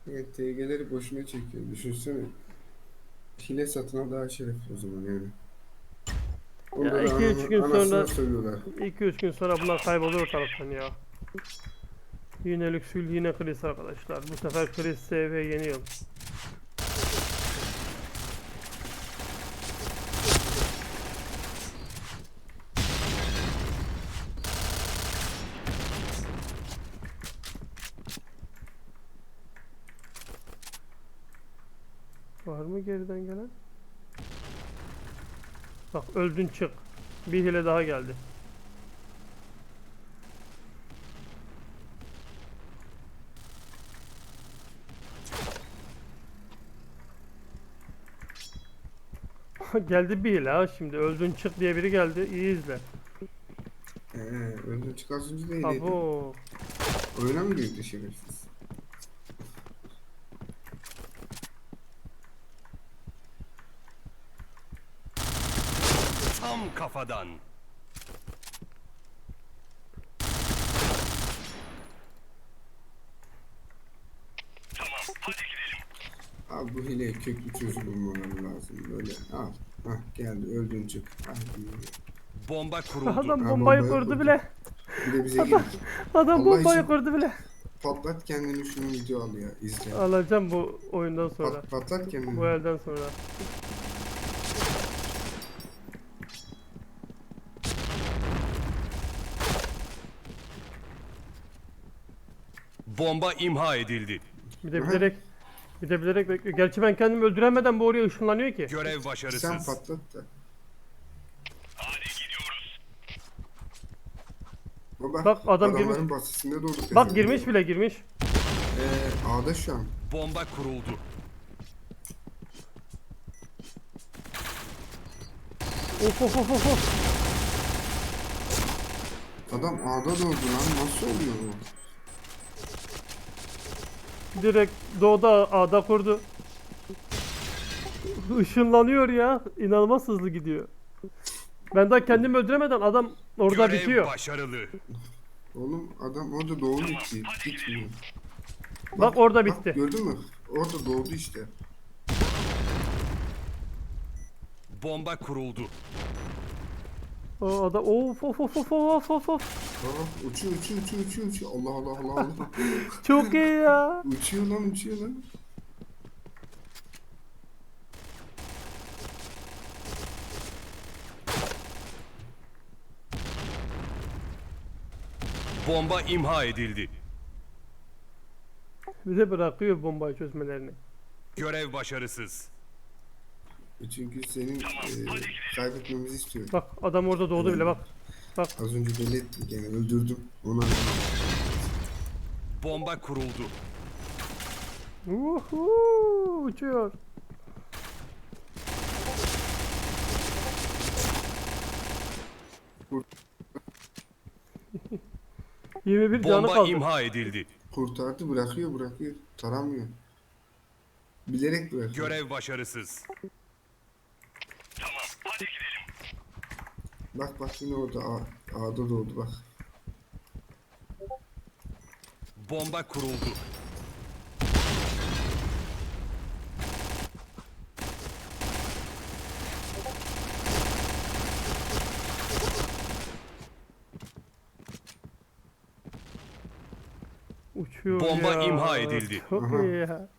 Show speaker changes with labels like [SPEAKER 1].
[SPEAKER 1] Evet, TG'leri boşuna çekiyor. Düşünsene. Hile satına daha şerefli o zaman yani.
[SPEAKER 2] Ya
[SPEAKER 1] Onda da
[SPEAKER 2] 2-3 gün
[SPEAKER 1] anasını
[SPEAKER 2] sonra
[SPEAKER 1] sövüyorlar.
[SPEAKER 2] 2-3 gün sonra bunlar kaybolur ortalıktan ya. Yine Lüksül yine Chris arkadaşlar. Bu sefer Chris SV yeniyor. Var mı geriden gelen? Bak öldün çık. Bir hile daha geldi. Geldi bir hile ha şimdi. Öldün çık diye biri geldi. İyi izle.
[SPEAKER 1] Öldüm çıkarsınca da hileydi.
[SPEAKER 2] Abo.
[SPEAKER 1] Oyuna mı girdi şerefsiz?
[SPEAKER 3] Tam kafadan.
[SPEAKER 1] Abi bu hileye köklü çözüm bulmaları lazım. Böyle al. Hah geldi öldün çık. Hadi.
[SPEAKER 3] Bomba kuruldu.
[SPEAKER 2] Adam
[SPEAKER 1] Ha,
[SPEAKER 2] bombayı
[SPEAKER 1] bombayı
[SPEAKER 2] kurdu
[SPEAKER 1] kurdu.
[SPEAKER 2] bile.
[SPEAKER 1] Bir de bize
[SPEAKER 2] Adam,
[SPEAKER 1] girdi.
[SPEAKER 2] adam
[SPEAKER 1] Allah
[SPEAKER 2] bombayı
[SPEAKER 1] için
[SPEAKER 2] kurdu bile.
[SPEAKER 1] patlat kendini şunu video al ya izle.
[SPEAKER 2] Alacağım bu oyundan sonra.
[SPEAKER 1] Patlat kendini.
[SPEAKER 2] Bu elden sonra.
[SPEAKER 3] Bomba imha edildi.
[SPEAKER 2] Bir de
[SPEAKER 1] Aha.
[SPEAKER 2] bilerek bekliyor. Gerçi ben kendimi öldüremeden bu oraya ışınlanıyor ki.
[SPEAKER 3] Görev
[SPEAKER 1] Sen
[SPEAKER 3] başarısız.
[SPEAKER 1] patlat da. Baba,
[SPEAKER 2] Bak, adam
[SPEAKER 1] adamların
[SPEAKER 2] girmiş.
[SPEAKER 1] basısında doğdu.
[SPEAKER 2] Bak girmiş bile girmiş.
[SPEAKER 1] A'da şu an.
[SPEAKER 3] Bomba kuruldu.
[SPEAKER 2] Of of of of of.
[SPEAKER 1] Adam A'da doğdu lan. Nasıl oluyor bu?
[SPEAKER 2] Direkt doğuda A'da kurdu. Işınlanıyor ya. İnanılmaz hızlı gidiyor. Ben daha kendimi öldüremeden adam orada
[SPEAKER 3] Görev
[SPEAKER 2] bitiyor.
[SPEAKER 3] başarılı.
[SPEAKER 1] Oğlum adam orada doğdu ki. Gitmiyor.
[SPEAKER 2] Bak orada
[SPEAKER 1] Bak
[SPEAKER 2] bitti.
[SPEAKER 1] gördün mü? Orada doğdu işte.
[SPEAKER 3] Bomba kuruldu.
[SPEAKER 2] O adam of of of of of of of.
[SPEAKER 1] Baba uçuyor. Allah Allah Allah Allah.
[SPEAKER 2] Çok iyi ya.
[SPEAKER 1] uçuyor lan.
[SPEAKER 3] Bomba imha edildi.
[SPEAKER 2] Bir de bırakıyor bombayı çözmelerini.
[SPEAKER 3] Görev başarısız.
[SPEAKER 1] Çünkü senin kaybetmemizi istiyor.
[SPEAKER 2] Bak adam orada doğdu bile bak. Bak
[SPEAKER 1] Az önce belli ettim gene öldürdüm. Ona
[SPEAKER 3] Bomba kuruldu.
[SPEAKER 2] uçuyor.
[SPEAKER 1] Vur.
[SPEAKER 2] 21 canı
[SPEAKER 3] Bomba
[SPEAKER 2] kaldı.
[SPEAKER 3] imha edildi.
[SPEAKER 1] kurtardı bırakıyor. Taramıyor. Bilerek bırakıyor.
[SPEAKER 3] Görev başarısız.
[SPEAKER 1] Bak yine orada A'da doğdu bak.
[SPEAKER 3] Bomba kuruldu.
[SPEAKER 2] Uçuyor
[SPEAKER 3] Bomba
[SPEAKER 2] ya.
[SPEAKER 3] imha edildi.
[SPEAKER 2] Çok
[SPEAKER 1] Aha.
[SPEAKER 2] iyi ya.